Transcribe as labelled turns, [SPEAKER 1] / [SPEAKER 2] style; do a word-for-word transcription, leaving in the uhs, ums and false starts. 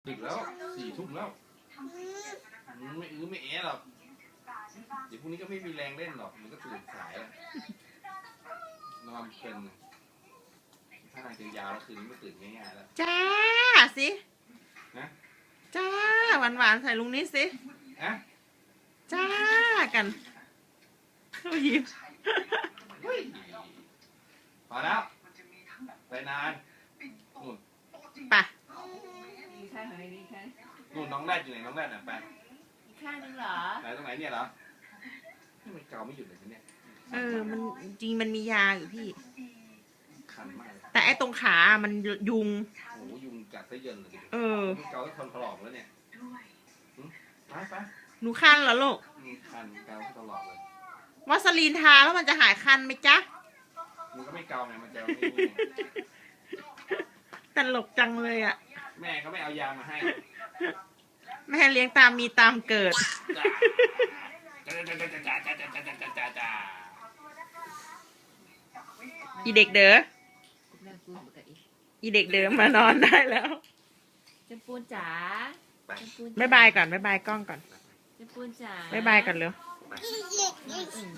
[SPEAKER 1] ดึกแล้วสี่ทุ่มแล้วไม่อื้อไม่แอะหรอกเดี๋ยวพรุ่งนี้ก็ไม่มีแรงเล่นหรอกมันก็ตื่นสายแล้วนอนเพลินถ้านางจะยาวแล้วคืนนี้ไม่ตื่นง่ายๆแล้ว
[SPEAKER 2] จ้าสิ
[SPEAKER 1] นะ
[SPEAKER 2] จ้าหวานหวานใส่ลุงนิดสิ
[SPEAKER 1] อะ
[SPEAKER 2] จ้ากันเขายิ้ม
[SPEAKER 1] พอแล้วไปนานนู่น
[SPEAKER 2] ไป
[SPEAKER 1] นู่นน้องแรดอยู่ไหนน้องแรดน่ะไป
[SPEAKER 3] อีกข้างนึงเหรอ
[SPEAKER 1] ไหนตรงไหนเนี่ยเหรอมันเกาไม่หยุดเลยเนี่ย
[SPEAKER 2] เออมันจริงมันมียาอยู่พี่
[SPEAKER 1] คันมาก
[SPEAKER 2] แต่ไอ้ตรงขามันยุง
[SPEAKER 1] โอ้ยุงกัดซะเยินเลย
[SPEAKER 2] เออ
[SPEAKER 1] เกาแล้วทนถลอกแล้วเนี่ยไปไป
[SPEAKER 2] หนูคันเหรอลูก
[SPEAKER 1] คันเกาตลอดเลย
[SPEAKER 2] วัสลีนทาแล้วมันจะหายคันไหมจ๊ะ
[SPEAKER 1] มันก็ไม่เกาไงมันจะ
[SPEAKER 2] ตลกจังเลยอ่ะ
[SPEAKER 1] แม่เขาไม่เอายามาให้
[SPEAKER 2] แม่เลี้ยงตามมีตามเกิดอีเด็กเด้ออีเด็กเด้อมานอนได้แล้ว
[SPEAKER 3] จำปูนจ๋า
[SPEAKER 2] บ๊ายบายก่อนบ๊ายบายกล้องก่อน
[SPEAKER 3] จำปูนจ๋า
[SPEAKER 2] บ๊ายบายก่อนเร็ว